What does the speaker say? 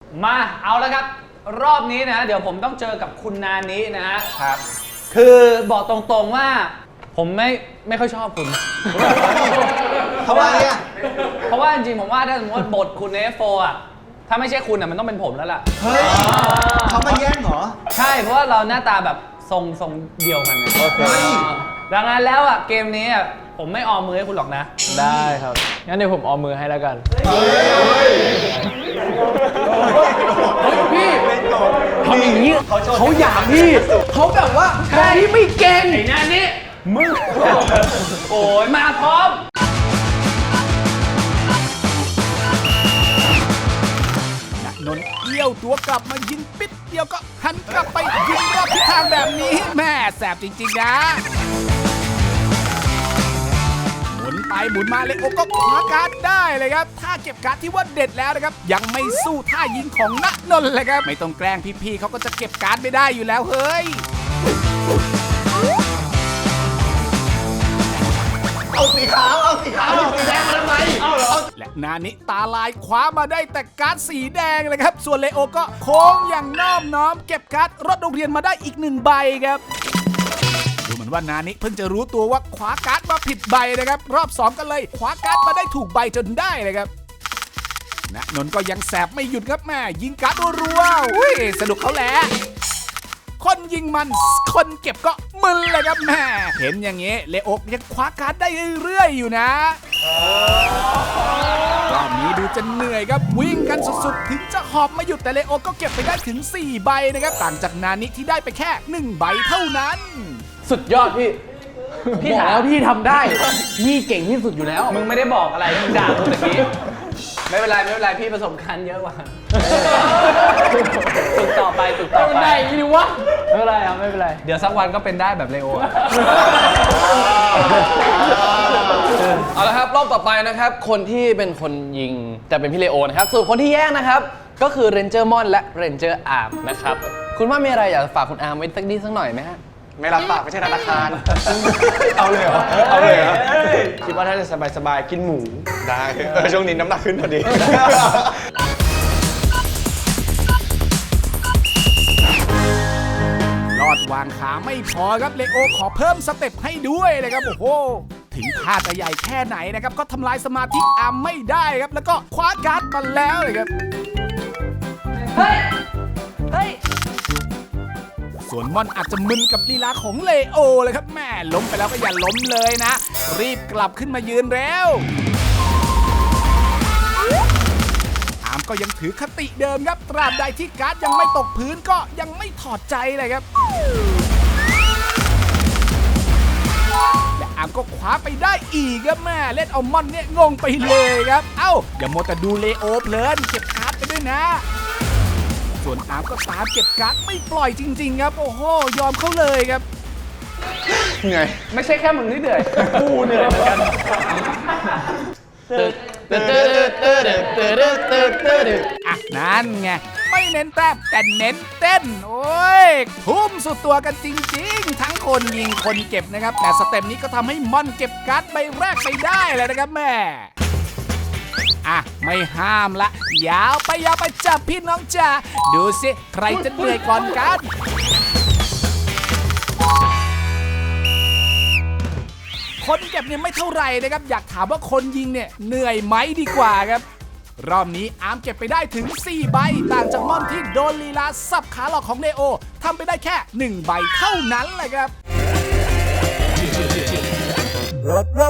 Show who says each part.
Speaker 1: มาเอาแล้วครับรอบนี้นะเดี๋ยวผมต้องเจอกับคุณนานินะฮะ
Speaker 2: ครับ
Speaker 1: คือบอกตรงๆว่าผมไม่ค่อยชอบคุณ
Speaker 2: ทำไมอ่ะ
Speaker 1: เพราะว่าจริงๆผมว่าถ้าสมมติว่าบทคุณในF4อ่ะถ้าไม่ใช่คุณอ่ะมันต้องเป็นผมแล้วล่ะ
Speaker 2: เฮ้ยเขามาแย่งเหรอ
Speaker 1: ใช่เพราะว่าเราหน้าตาแบบทรงเดียวกันไง
Speaker 2: โอเค
Speaker 1: ดังนั้นแล้วอ่ะเกมนี้อ่ะผมไม่ออมมือให้คุณหรอกนะ
Speaker 3: ได้ครับ งั้นเดี๋ยวผมออมมือให้แล้วกัน
Speaker 2: พี่ทำอย่างนี้เขาอยากพี่
Speaker 3: เขาแบบว่าพี่ไม่เก่ง
Speaker 1: ไอ้นานิมึง โอ้ยมาพร้อม
Speaker 4: นนท์เอี้ยวตัวกลับมายิงปิดเดียวก็หันกลับไปยิงรอบทิศทางแบบนี้แม่แสบจริงๆนะหมุนไปหมุนมาเลยโอ้ก็คว้าการ์ดได้เลยครับถ้าเก็บการ์ดที่ว่าเด็ดแล้วนะครับยังไม่สู้ท่ายิงของณนนท์เลยครับไม่ต้องแกล้งพี่ๆเขาก็จะเก็บการ์ดไม่ได้อยู่แล้วเฮ้ย
Speaker 2: เอาสีขาวเอาสีแดงมาทำไมเอาเหรอ
Speaker 4: และนานิตาลายคว้ามาได้แต่การ์ดสีแดงเลยครับส่วนเลโอก็โค้งอย่างน้อมน้อมเก็บการ์ดรถโรงเรียนมาได้อีก1 ใบครับดูเหมือนว่านานิเพิ่งจะรู้ตัวว่าคว้าการ์ดมาผิดใบนะครับรอบ2กันเลยคว้าการ์ดมาได้ถูกใบจนได้เลยครับณนนท์ก็ยังแสบไม่หยุดครับแม่ยิงการ์ดรัวๆอุ้ยสนุกเขาแหละคนยิงมันคนเก็บก็มึนเลยครับแม่เห็นอย่างงี้เลโอยังคว้าการ์ดได้เรื่อยๆอยู่นะรอบนี้ดูจะเหนื่อยครับวิ่งกันสุดๆถึงจะหอบไม่หยุดแต่เลโอก็เก็บไปได้ถึง4 ใบนะครับต่างจากนานิที่ได้ไปแค่1 ใบเท่านั้น
Speaker 3: สุดยอดพี่ พี่บอกแล้วพี่ทำได้ พี่เก่งที่สุดอยู่แล้ว
Speaker 1: มึงไม่ได้บอกอะไรมึงด่ากูตะกี้ไม่เป็นไรพี่ประสบการณ์เยอะกว่าฝึกต่อไป
Speaker 3: มันได้อย่างนี้ดิวะ ไม่เป็นไรครับไม่เป็นไร
Speaker 1: เดี๋ยวสักวันก็เป็นได้แบบเลโออะ
Speaker 5: เอาละครับรอบต่อไปนะครับคนที่เป็นคนยิงจะเป็นพี่เลโอนะครับส่วนคนที่แย่งนะครับก็คือเรนเจอร์มอนและเรนเจอร์อาร์มนะครับคุณว่ามีอะไรอยากฝากคุณอาร์มไว้สักนิดสักหน่อยไหมฮะ
Speaker 2: ไม่รับปากไม่ใช่ธนาคาร เอาเลยเหรอ เอาเลยเหรอ คิดว่าถ้าจะสบายๆกินหมู ได้ช่วงนี้น้ำหนักขึ้นพอดี
Speaker 4: รอดวางขาไม่พอครับเลโอขอเพิ่มสเต็ปให้ด้วยเลยครับโอ้โหถึงท่าจะใหญ่แค่ไหนนะครับก็ทำลายสมาธิอาร์มไม่ได้ครับแล้วก็คว้าการ์ดมาแล้วเลยครับเฮ้ยส่วนม่อนอาจจะมึนกับลีลาของเลโอเลยครับแม่ล้มไปแล้วก็อย่าล้มเลยนะ รีบกลับขึ้นมายืนแล้วอาร์มก็ยังถือคติเดิมครับตราบใดที่การ์ดยังไม่ตกพื้นก็ยังไม่ถอดใจเลยครับและอาร์มก็คว้าไปได้อีกครับแม่เล่นเอาม่อนเนี่ยงงไปเลยครับเอ้าอย่ามัวแต่ดูเลโอเพลินเก็บการ์ดไปด้วยนะส่วนอาร์มก็ตามเก็บการ์ดไม่ปล่อยจริงๆครับโอ้โหยอมเขาเลยครับ
Speaker 2: เหนื่อย
Speaker 1: ไม่ใช่แค่มึงที่เหนื่อยกูเหนื่อยเหมือนกัน
Speaker 4: อ่ะนั่นไงไม่เน้นแต้มแต่เน้นเต้นโอ้ยทุ่มสุดตัวกันจริงๆทั้งคนยิงคนเก็บนะครับแต่สเต็ปนี้ก็ทำให้ม่อนเก็บการ์ดใบแรกไปได้เลยนะครับแม่อ่ะไม่ห้ามละยาวไปจับพี่น้องจ๋าดูสิใครจะเหนื่อยก่อนกันคนเก็บเนี่ยไม่เท่าไหร่นะครับอยากถามว่าคนยิงเนี่ยเหนื่อยไหมดีกว่าครับรอบนี้อาร์มเก็บไปได้ถึง4 ใบต่างจากม่อนที่โดนลีลาสับขาหลอกของเลโอทำไปได้แค่1 ใบเท่านั้นเลยครับ